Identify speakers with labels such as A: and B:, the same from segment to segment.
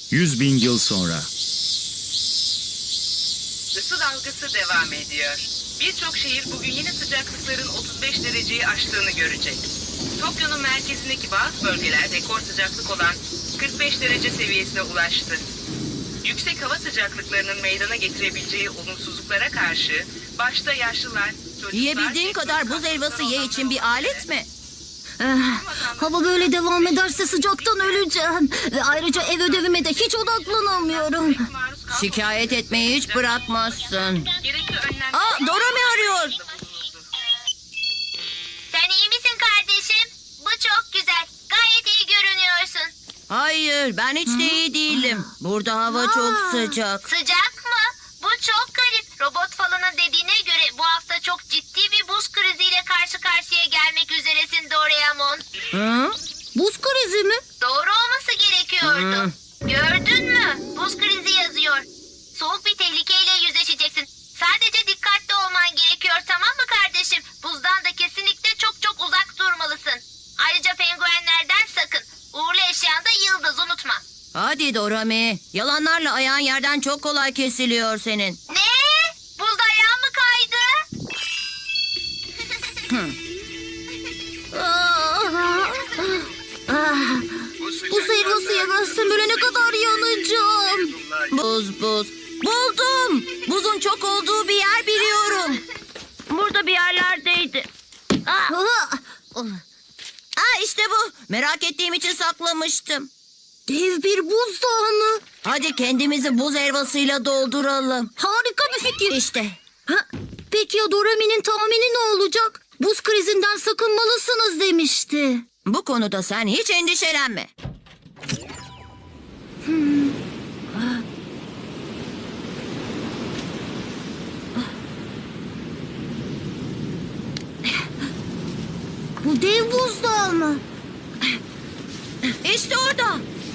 A: 100.000 yıl sonra.
B: Isı dalgası devam ediyor. Birçok şehir bugün yine sıcaklıkların 35 dereceyi aştığını görecek. Tokyo'nun merkezindeki bazı bölgeler rekor sıcaklık olan 45 derece seviyesine ulaştı. Yüksek hava sıcaklıklarının meydana getirebileceği olumsuzluklara karşı başta yaşlılar, çocuklar...
C: Yiyebildiğin kadar buz helvası ye için bir alet mi?
D: Hava böyle devam ederse sıcaktan öleceğim. Ve ayrıca ev ödevime de hiç odaklanamıyorum.
C: Şikayet etmeyi hiç bırakmazsın. Aa, Dora mı arıyor?
E: Sen iyi misin kardeşim? Bu çok güzel. Gayet iyi görünüyorsun.
C: Hayır, ben hiç de iyi değilim. Burada hava çok sıcak.
E: Sıcak mı? Bu çok garip. Robot falanın dediğine göre bu hafta çok ciddi bir buz kriziyle karşı karşıya gelmek üzeresin Doraemon.
C: Hı?
D: Buz krizi mi?
E: Doğru olması gerekiyordu. Gördün mü? Buz krizi yazıyor. Soğuk bir tehlikeyle yüzleşeceksin. Sadece dikkatli olman gerekiyor, tamam mı kardeşim? Buzdan da kesinlikle çok çok uzak durmalısın. Ayrıca penguenlerden sakın. Uğurlu eşyan da yıldız, unutma.
C: Hadi Dorami. Yalanlarla ayağın yerden çok kolay kesiliyor senin.
E: Ne? Buzda ayağın mı kaydı?
D: Buz helvası yemezsem ölene kadar yanacağım.
C: Buz. Buldum. Buzun çok olduğu bir yer biliyorum. Burada bir yerlerdeydi. İşte bu. Merak ettiğim için saklamıştım.
D: Dev bir buzdağı mı?
C: Hadi kendimizi buz helvasıyla dolduralım.
D: Harika bir fikir.
C: İşte.
D: Peki ya Dorami'nin tahmini ne olacak? Buz krizinden sakınmalısınız demişti.
C: Bu konuda sen hiç endişelenme.
D: Bu dev buzdağı mı?
C: İşte orada.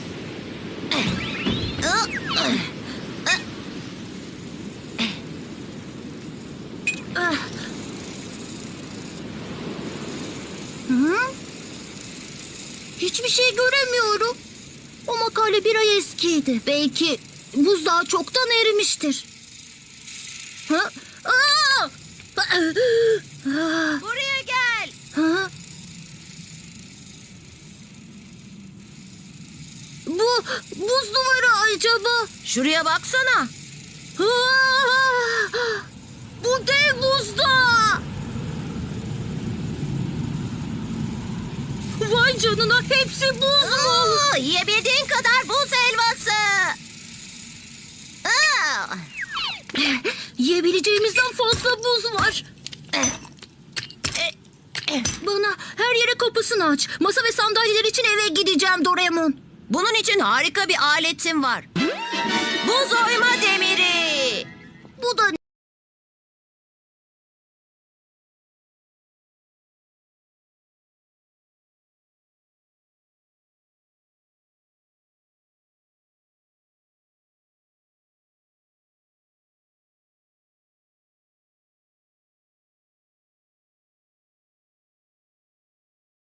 D: Hiçbir şey göremiyorum. O makale bir ay eskiydi. Belki buzdağı çoktan erimiştir.
C: Buraya gel.
D: Bu buz duvarı acaba?
C: Şuraya baksana.
D: Bu dev buzdağı. Vay canına, hepsi buz mu?
C: Yiyebildiğin kadar buz helvası.
D: Yiyebileceğimizden fazla buz var. Bana her yere kapısını aç. Masa ve sandalyeler için eve gideceğim Doraemon.
C: Bunun için harika bir aletim var. Buz oyma demiri.
D: Bu da